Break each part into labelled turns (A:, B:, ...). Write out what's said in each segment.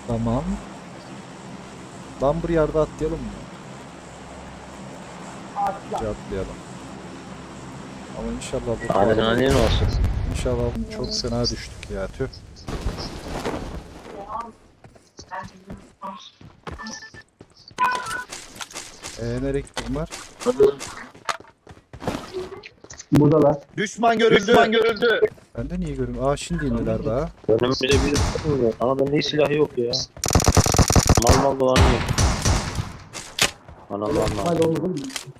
A: Tamam. Lumber yard'a atlayalım mı? Atlayalım. Ama inşallah bu
B: Adrenalin olsun.
A: İnşallah çok fena düştük ya, tüh. Nereye gittin var?
C: Buradalar.
D: Düşman görüldü.
A: Ben de niye görüyorum? Aa, şimdi indiler daha.
B: Önümüzde bir var. Ama bende hiç silah yok ya. Mal dolanıyor. Anam lan.
C: Hadi oğlum.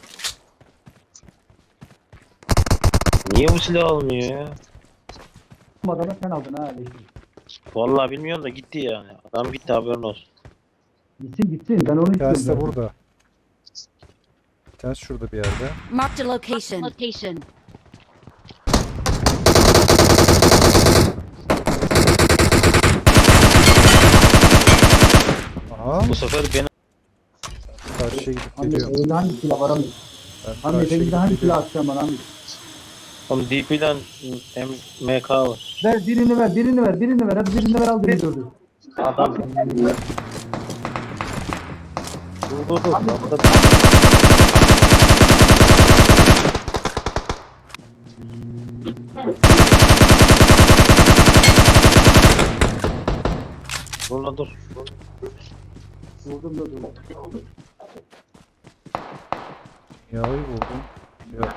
B: Niye bu silah almıyor ya?
C: Bu adamı sen aldın ha.
B: Vallahi bilmiyorum da gitti yani. Adam gitti, haberin olsun.
C: Gitsin ben onu
A: Bir tanesi de
C: istiyorum.
A: burada. Bir tanesi şurada bir yerde.
E: Marked a location.
A: Aha,
B: Bu sefer beni
A: karşıya gidip
C: Hamdi
A: geliyorum.
C: evde hangi silah var Hamdi?
A: Ben
C: Hamdi
A: karşıya
C: evde
A: gidip
C: hangi
A: geliyorum.
C: silah atacağım bana Hamdi?
B: tam DP'den MK var.
C: Ver birini ver. Hadi birini ver al birini gördü.
B: Adam. Dur. Burada dur.
C: Vurdum da dur.
A: Yağı buldum. Yok.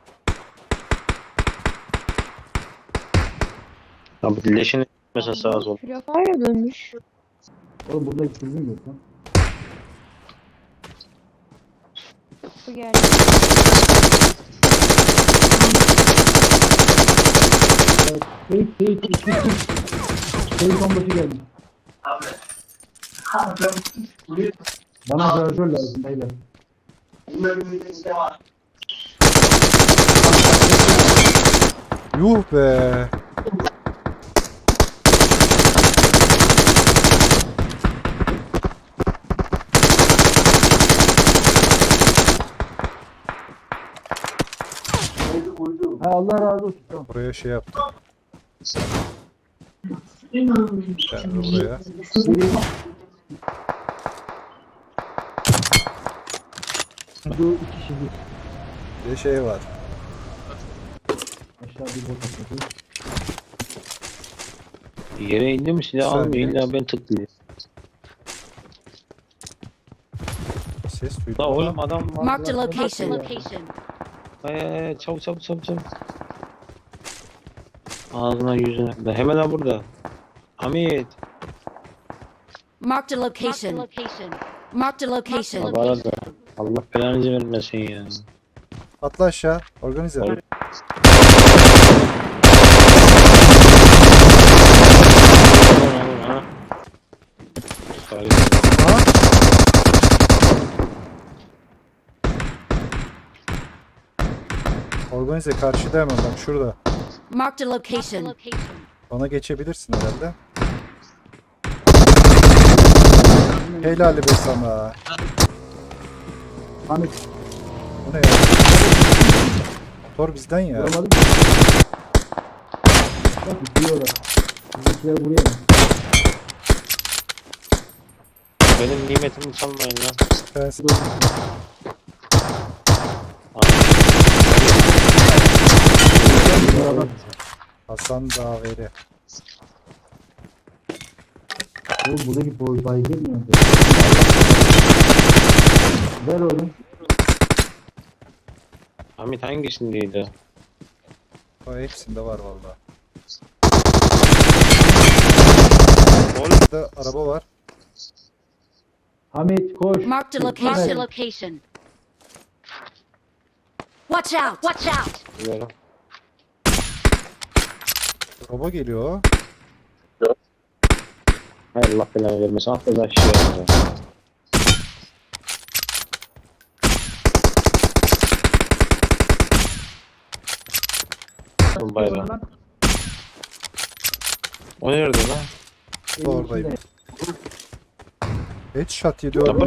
B: Abi leşini mesela sağa sol.
F: Free dönmüş.
C: Oğlum burada hiç çözüm yok lan.
F: Bu geldi.
C: Teyit onbaşı geldi. Bana şarjör lazım beyler.
A: Yuh be.
C: Ha, Allah razı olsun. Tamam.
A: Buraya şey yaptım. Ben de buraya.
C: Bu iki kişi bir.
A: Bir de şey var.
C: Aşağı bir bot atladı.
B: Yere indi mi silah
A: Sen
B: almıyor.
A: de.
B: İlla ben tıklayayım.
A: Ses duydum.
B: La
A: ama
B: oğlum adam var.
E: Marked a location.
B: Çabuk. Ağzına yüzüne. Ben hemen ha burada. Hamit.
E: Marked a location. Marked a location.
B: Abi arada. Allah belanızı vermesin ya.
A: Atla aşağı. Organize.
B: Oğlum. Ha?
A: Aha. Organize karşıda hemen bak şurada.
E: Marked a location.
A: Bana geçebilirsin herhalde. Helal be sana.
C: Hamit
A: Bu ne ya? Motor bizden ya.
C: vuramadım. Bak bitiriyorlar. Bizimkiler buraya.
B: Benim nimetimi çalmayın lan.
A: Tanesi
C: Beraber.
A: Hasan Daveri.
C: Oğlum buradaki boy bay girmiyor. Ver oğlum.
B: Hamit hangisindeydi?
A: O hepsinde var valla.
B: Oğlum
A: Burada araba var.
C: Hamit koş.
E: Marked a location. Watch out.
B: biliyorum.
A: Araba geliyor.
B: Hay Allah belanı vermesin. Atla da aşağıya. Bayrağı. O nerede lan?
A: Oradayım. Headshot yedi
B: Ya
A: orada.